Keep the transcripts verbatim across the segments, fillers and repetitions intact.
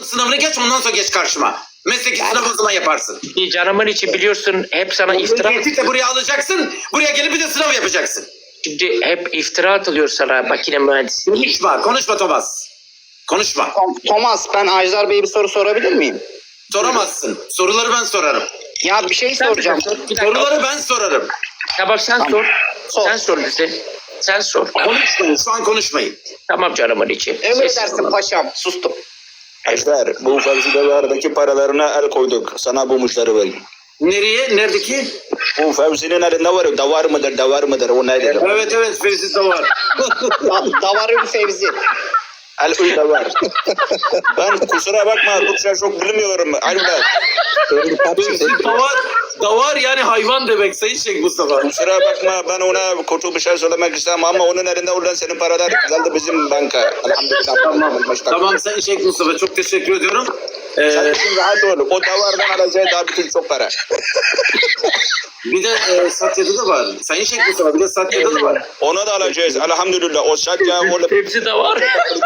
sınavını geç, ondan sonra geç karşıma. Mesleki sınavı o zaman yaparsın. Canımın içi biliyorsun hep sana iftira. Tehdit buraya alacaksın. Buraya gelip bir de sınav yapacaksın. Şimdi hep iftira atılıyor sana makine mühendisliği. Konuşma. Konuşma Thomas. Konuşma. Thomas, ben Ajdar Bey'e bir soru sorabilir miyim? Soramazsın. Soruları ben sorarım. Ya bir şey Sen soracağım. bir dakika. Soruları ben sorarım. Tamam sen Tamam. sor. Sor. Sen sor bize. Sen sor. Konuşmayın. Şu an konuşmayın. Tamam canımın içi. Emredersin paşam. Sustum. Ajdar, bu Fevzi'deki paralarına el koyduk. Sana bu müşteri vereyim. Nereye? Neredeki? Bu Fevzi'nin elinde var. Davar mıdır, davar mıdır? O nedir? Evet evet. Fevzi de var. Da Davarül Fevzi. El uy davar. Ben kusura bakma, Türkçe çok bilmiyorum. Ajdar. Fevzi davar. Davar yani hayvan demek Sayın Şeyh Mustafa. Kusura bakma, ben ona kötü bir şey söylemek istemem ama onun elinde olan senin paralar geldi bizim banka. Elhamdülillah. Tamam. Tamam Sayın Şeyh Mustafa. Çok teşekkür ediyorum. Ee, Sen için rahat ol. O davardan alacağı daha bütün çok para. bir de e, Satya'da da var. Sayın Şeyh Mustafa bir de Satya'da da var. Onu da alacağız. Elhamdülillah. O satya o Hepsi de var.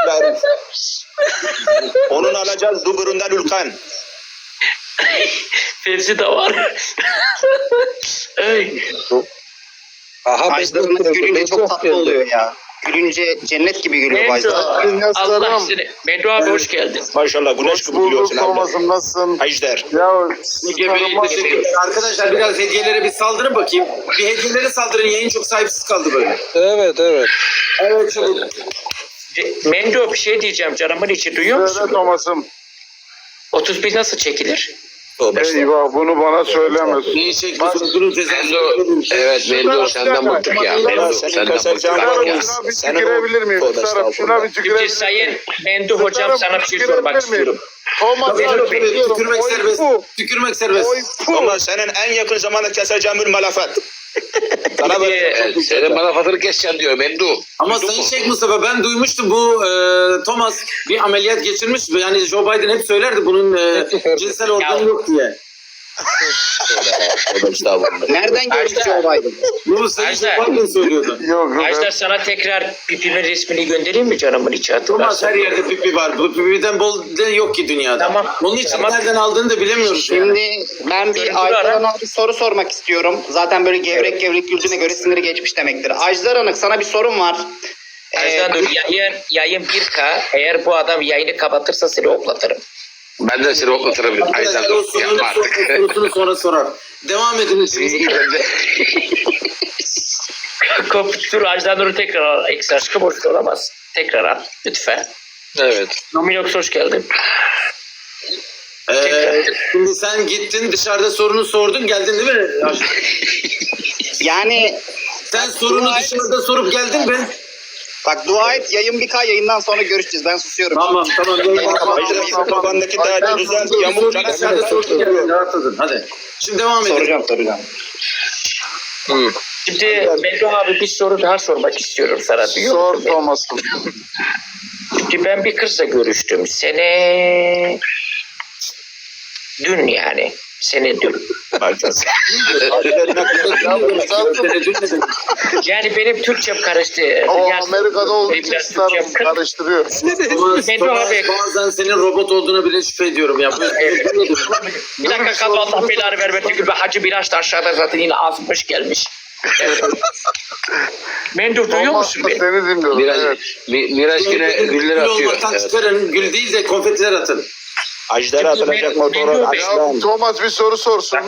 onun alacağız Duburundan Ülkan. Hepsi de var. Ey. Ajdar'ın gülünce çok tatlı oluyor ya. Gülünce cennet gibi gülüyor bu Mendo. Ajdar. Allah seni. Mendo abi hoş geldin. Maşallah güneş gibi biliyorsun abi. Olmasın, nasılsın? Ajdar. Ya Ege Bey, teşekkür ederim. Arkadaşlar biraz hediyelere bir saldırın bakayım. Bir hediyelere saldırın. Yayın çok sahipsiz kaldı böyle. evet evet. Evet çabuk. Mendo bir şey diyeceğim canımın içi duyuyor Söyle musun? Thomas'ım. otuz bir nasıl çekilir? Eyvah, bunu bana söyleme. Neyi çekiyorsunuz? Bunun cezası. Evet Mendo senden bıktık ya. Mendo senden bıktık Şuna, ya. şuna bir tükürebilir miyim? Sarap, şuna bir tükürebilir Şimdi miyim? Sayın Mendo hocam sana bir şey sormak istiyorum. Thomas, Tabii, tabii, tükürmek Oy, serbest. pu. Tükürmek serbest. Oy, pu. Ama senin en yakın zamanda keseceğim bir malafat. Sana böyle Evet, senin bana fatırı keseceğim diyor Mendo. Ama Duydun Sayın mu? Şeyh Mustafa ben duymuştum bu e, Thomas bir ameliyat geçirmiş. Yani Joe Biden hep söylerdi bunun e, cinsel organı yok diye. Tövbe estağfurullah. Nereden görmüş Ajdar. Joe Biden? Bunu Sayın Ajdar. Joe Biden söylüyordu. Yok yok. Ajdar sana tekrar pipimin resmini göndereyim mi canımın içi Thomas hatırlarsın? her yerde pipi var. Bu pipiden bol de yok ki dünyada. Tamam. Onun için Tamam. nereden aldığını da bilemiyoruz. yani. Şimdi ben Görüntülü bir Ajdar ara. Hanım'a bir soru sormak istiyorum. Zaten böyle gevrek gevrek güldüğüne göre siniri geçmiş demektir. Ajdar Hanım, sana bir sorum var. Ee, Ajdar dur yayın, yayın bir K. Eğer bu adam yayını kapatırsa seni oklatırım. Ben de seni okutabilirim. Aydan Arkadaşlar o dur. sorunu, Yapma artık. sorusunu sonra sorar. Devam edin. İyi ben de. Dur Ajdar Nur'u tekrar al. Eksi aşkı boş olamaz. Tekrar al lütfen. Evet. Nominox hoş geldin. Ee, şimdi sen gittin dışarıda sorunu sordun geldin değil mi? yani Sen sorunu dışarıda sorup geldin mi? bak, dua et, yayın bir K, yayından sonra görüşeceğiz. Ben susuyorum. Tamam tamam. Ajdar kafandaki derdi düzelt. Yamuk Dışarıda canı. sorup geldin. Rahatladın. Hadi. Şimdi devam edelim. Soracağım soracağım. Hı. Şimdi Mendo abi bir soru daha sormak istiyorum sana. Duyuyor Sor musun beni? Thomas'ım. Şimdi ben bir kızla görüştüm. Sene... Dün yani. Sene dün. Yani benim Türkçem karıştı. O Yaz- Amerika'da olduğu için Biraz starım Türkçem kır- karıştırıyor. Thomas, Mendo Thomas, abi. bazen senin robot olduğuna bile şüphe ediyorum ya. Bir dakika kaldı, Allah belanı vermesin gibi Hacı Miraç da aşağıda zaten yine azmış gelmiş. Evet. Mendo duyuyor Thomas musun da beni? seni dinliyorum. Miraç, Evet. Mi- Miraç yine güller Gül atıyor. olmaktan Evet. çıkarın. Gül değil de konfetiler atın. Ajdar'a atılacak motoru Ya açlan. Thomas bir soru sorsun.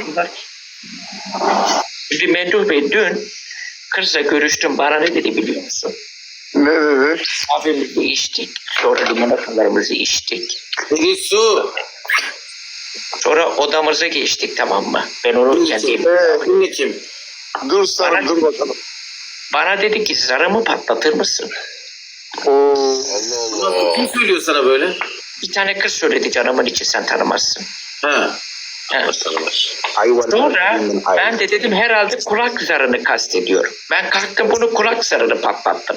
Şimdi Mendo Bey dün kızla görüştüm, bana ne dedi biliyor musun? Ne dedi? Kahvemizi içtik, sonra limonatalarımızı içtik. Bir su. Sonra odamıza geçtik, tamam mı? Ben onu kendim. Dinle kim? Dur sarım, dur bakalım. Bana dedi ki zarımı patlatır mısın? Oo. Nasıl, kim söylüyor sana böyle? Bir tane kız söyledi canımın içi, sen tanımazsın. Ha. Ha. Ayvan. Sonra ben de dedim herhalde kulak zarını kastediyor. Ben kalktım bunu kulak zarını patlattım.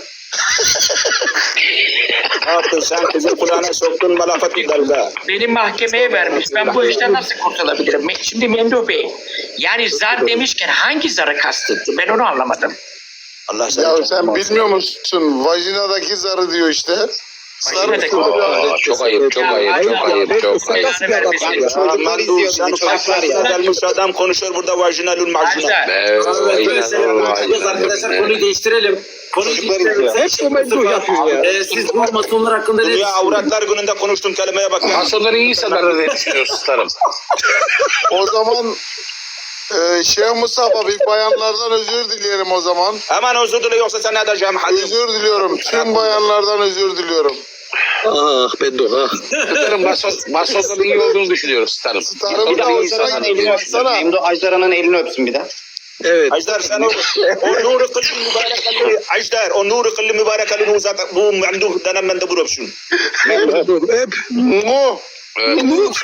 Ne yaptın sen kızın kulağına soktun malafat bir dalga. Beni mahkemeye vermiş. Ben bu işten nasıl kurtulabilirim? Me- Şimdi Mendo Bey, yani zar demişken hangi zarı kastetti? Ben onu anlamadım. Allah seni Ya canını sen alsın. bilmiyor musun? Vajinadaki zarı diyor işte. Başına tek Aa, çok ayıp, çok ayıp, çok ayıp, çok ayıp. Belanı vermesin. Yani çocuklar izliyor bizi, çocuklar ya. Gelmiş adam konuşuyor burada vajinalul macuna. Ajdar. Evet, Evet, böyle şeyler inanılmaz. konuşuyoruz arkadaşlar. Konuyu değiştirelim. Konuyu Çocuklar değiştirelim. izliyor. Hep bu mevzu yapıyor ya. Ee, siz bu masonlar hakkında ne Dünya düşünüyorsunuz? avratlar gününde konuştuğum kelimeye bak ya. Masonları iyi insanlar diye düşünüyoruz starım. O zaman e, Şeyh Mustafa bir bayanlardan özür dileyelim o zaman. Hemen özür dile yoksa sen ne edeceğim Halim? Özür diliyorum. Tüm bayanlardan özür diliyorum. Ah Bedo ah. Starım mason, masonların iyi olduğunu düşünüyoruz starım. Starım Bir de da Ajdar'ın hoşuna elini gitti. öpsün. Baksana. Memdu Ajdar'ın elini öpsün bir de. Evet. Ajdar sen o, o nuru kıllı mübarekalli Ajdar o nuru kıllı mübarekalli uzat bu mandu denen ben de bu öpsün. Hep. Mu. Evet.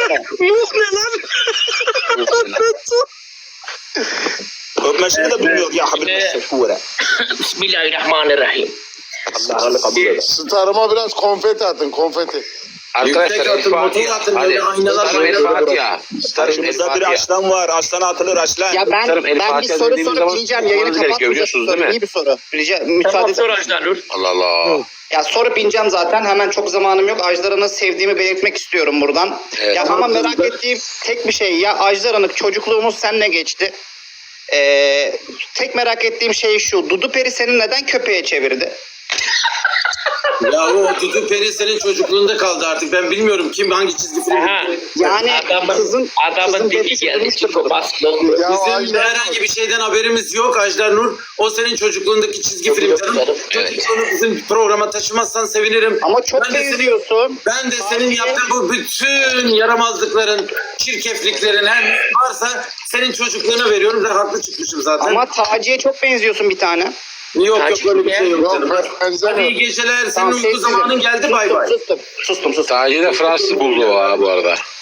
Öpmesini de bilmiyor ya Habib Evet. Mesefure. Bismillahirrahmanirrahim. Allah Allah kabul eder. Starıma biraz konfeti atın konfeti. Arkadaşlar Yüksek El atın, motor Fatiha. atın, Hadi. böyle aynalar Starım El böyle. Fatiha. Starım El Karşımızda bir Fatiha. aslan var. Aslana atılır aslan. Ya ben Starım, El ben bir Fatiha soru dediğimiz sorup zaman ineceğim. Yayını sormanız gerekiyor, kapatmayacağım. biliyorsunuz değil mi? İyi bir soru. Rica Tamam müsaade sor eder. Ajdar Nur. Allah Allah. Ya sorup ineceğim zaten. Hemen çok zamanım yok. Ajdar'ı sevdiğimi belirtmek istiyorum buradan. Evet. Ya ama merak ettiğim tek bir şey. Ya Ajdar'ın çocukluğumuz seninle geçti. Ee, tek merak ettiğim şey şu. Dudu Peri seni neden köpeğe çevirdi? Ya o Dudu Peri senin çocukluğunda kaldı artık. Ben bilmiyorum kim hangi çizgi film. Aha. Yani Adamın, kızın adamın kızın dili dedesi geldi. bulmuştur Çıkı bunu. bastı. Ya Bizim Ajdar- herhangi bir şeyden haberimiz yok Ajdar Nur. O senin çocukluğundaki çizgi film canım. Çocukluğunu bizim programa taşımazsan sevinirim. Ama çok Ben de senin- benziyorsun. Ben de senin yaptığın bu bütün yaramazlıkların, çirkefliklerin her ne varsa senin çocukluğuna veriyorum ve haklı çıkmışım zaten. Ama Taci'ye çok benziyorsun bir tane. yok yok öyle bir şey yok Yok canım. ben Hadi iyi benzemiyorum. geceler. Senin Tamam, uyku sevgilim. zamanın geldi bay bay. Sustum, sustum, sustum. Sadece de Fransız buldu o ha bu arada.